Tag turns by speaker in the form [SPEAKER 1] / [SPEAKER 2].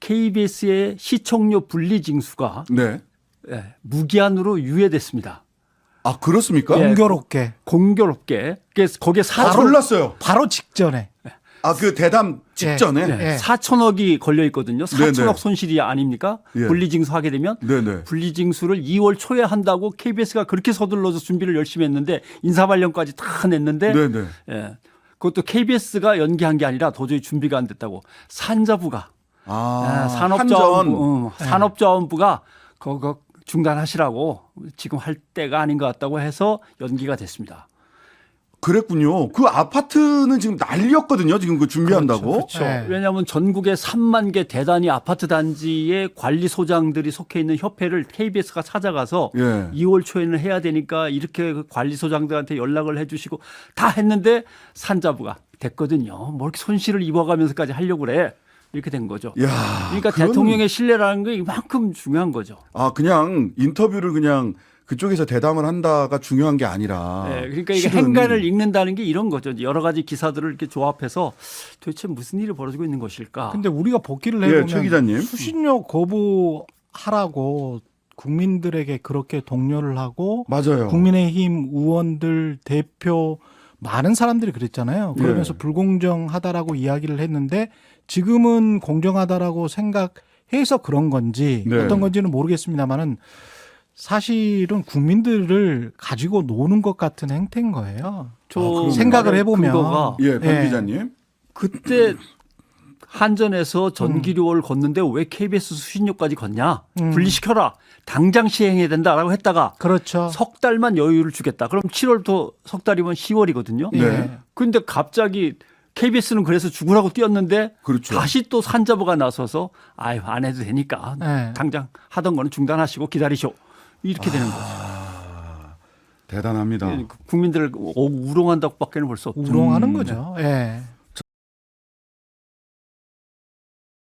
[SPEAKER 1] KBS의 시청료 분리징수가
[SPEAKER 2] 네.
[SPEAKER 1] 무기한으로 유예됐습니다.
[SPEAKER 2] 아, 그렇습니까?
[SPEAKER 1] 예. 공교롭게. 그래서 거기에
[SPEAKER 2] 몰랐어요.
[SPEAKER 3] 바로 직전에.
[SPEAKER 2] 아, 그 대담 직전에.
[SPEAKER 3] 예.
[SPEAKER 1] 4천억이 걸려 있거든요. 4천억
[SPEAKER 2] 네네.
[SPEAKER 1] 손실이 아닙니까?
[SPEAKER 2] 예.
[SPEAKER 1] 분리징수 하게 되면
[SPEAKER 2] 네네.
[SPEAKER 1] 분리징수를 2월 초에 한다고 KBS가 그렇게 서둘러서 준비를 열심히 했는데 인사발령까지 다 냈는데
[SPEAKER 2] 네네.
[SPEAKER 1] 예. 그것도 KBS가 연기한 게 아니라 도저히 준비가 안 됐다고 산자부가 산업자원부가 그거 중단하시라고 지금 할 때가 아닌 것 같다고 해서 연기가 됐습니다.
[SPEAKER 2] 그랬군요. 그 아파트는 지금 난리였거든요. 지금 그 준비한다고.
[SPEAKER 1] 그렇죠.
[SPEAKER 3] 네.
[SPEAKER 1] 왜냐하면 전국에 3만 개 대단위 아파트 단지의 관리소장들이 속해 있는 협회를 KBS가 찾아가서
[SPEAKER 2] 예.
[SPEAKER 1] 2월 초에는 해야 되니까 이렇게 그 관리소장들한테 연락을 해 주시고 다 했는데 산자부가 됐거든요. 뭐 이렇게 손실을 입어가면서까지 하려고 그래. 이렇게 된 거죠.
[SPEAKER 2] 야,
[SPEAKER 1] 그러니까 대통령의 신뢰라는 게 이만큼 중요한 거죠.
[SPEAKER 2] 아, 그냥 인터뷰를 그냥 그쪽에서 대담을 한다가 중요한 게 아니라.
[SPEAKER 1] 네, 그러니까 이게
[SPEAKER 2] 실은
[SPEAKER 1] 행간을 읽는다는 게 이런 거죠. 여러 가지 기사들을 이렇게 조합해서 도대체 무슨 일이 벌어지고 있는 것일까?
[SPEAKER 3] 근데 우리가 복귀를
[SPEAKER 2] 예, 최
[SPEAKER 3] 해보면
[SPEAKER 2] 기자님.
[SPEAKER 3] 수신료 거부하라고 국민들에게 그렇게 독려를 하고
[SPEAKER 2] 맞아요.
[SPEAKER 3] 국민의힘 의원들 대표 많은 사람들이 그랬잖아요. 그러면서
[SPEAKER 2] 예.
[SPEAKER 3] 불공정하다라고 이야기를 했는데 지금은 공정하다라고 생각해서 그런 건지
[SPEAKER 2] 네.
[SPEAKER 3] 어떤 건지는 모르겠습니다만은 사실은 국민들을 가지고 노는 것 같은 행태인 거예요.
[SPEAKER 1] 저
[SPEAKER 3] 생각을 해보면.
[SPEAKER 1] 근거가
[SPEAKER 2] 예, 권
[SPEAKER 3] 예.
[SPEAKER 2] 기자님.
[SPEAKER 1] 그때 한전에서 전기료를 걷는데 왜 KBS 수신료까지 걷냐? 분리시켜라. 당장 시행해야 된다라고 했다가
[SPEAKER 3] 그렇죠.
[SPEAKER 1] 석 달만 여유를 주겠다. 그럼 7월부터 석 달이면 10월이거든요.
[SPEAKER 2] 네.
[SPEAKER 1] 그런데 갑자기 KBS는 그래서 죽으라고 뛰었는데
[SPEAKER 2] 그렇죠.
[SPEAKER 1] 다시 또 산자부가 나서서 아유 안 해도 되니까
[SPEAKER 3] 네.
[SPEAKER 1] 당장 하던 거는 중단하시고 기다리쇼. 이렇게 되는 거죠.
[SPEAKER 2] 대단합니다.
[SPEAKER 1] 국민들을 우롱한다고밖에는 볼 수 없죠.
[SPEAKER 3] 우롱하는 거죠. 예.